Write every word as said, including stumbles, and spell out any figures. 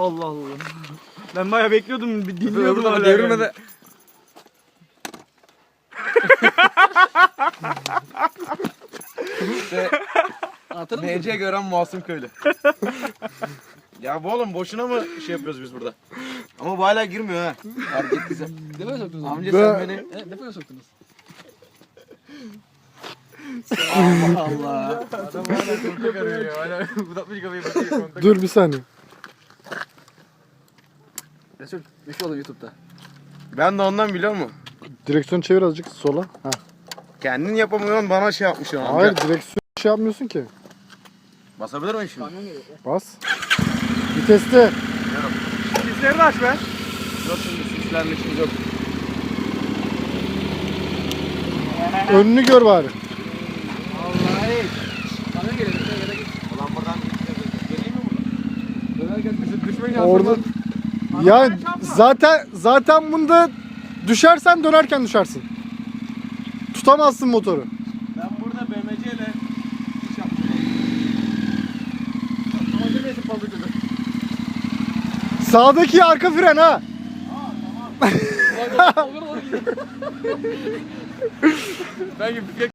Allah Allah. Ben bayağı bekliyordum, bir dinliyordum hala. Devrilme de. İşte M C gören masum köylü. Ya bu oğlum boşuna mı şey yapıyoruz biz burada? Ama bu hala girmiyor ha. Fark ettiyse. Depoya soktunuz. Amca Be- sen beni... Evet, depoya soktunuz. Allah Allah. Adam hala kontak arıyor ya. Hala uzatmış kafayı bakıyor kontak. Dur bir saniye. Resul, meşhur olun YouTube'da. Ben de ondan biliyor musun? Direksiyonu çevir azıcık sola. Ha. Kendin yapamıyorsun bana şey yapmışsın amca. Hayır direksiyon şey yapmıyorsun ki. Basabilir miyim şimdi? Kamyon geliyor. Bas. Viteste. Sisleri de aç be. Yok şimdi sislerle işimiz yok. Önünü gör bari. Vallahi. Kamyon geliyor. Döner git. Ulan buradan geleyim mi buradan? Döner gel, bizi düşmeyin Orada. Ya zaten zaten bunda düşersen dönerken düşersin. Tutamazsın motoru. Ben burada B M C ile iş yaptım. Ama demeyesin fazla kötü. Sağdaki arka fren ha. Olur olur. Ben gibi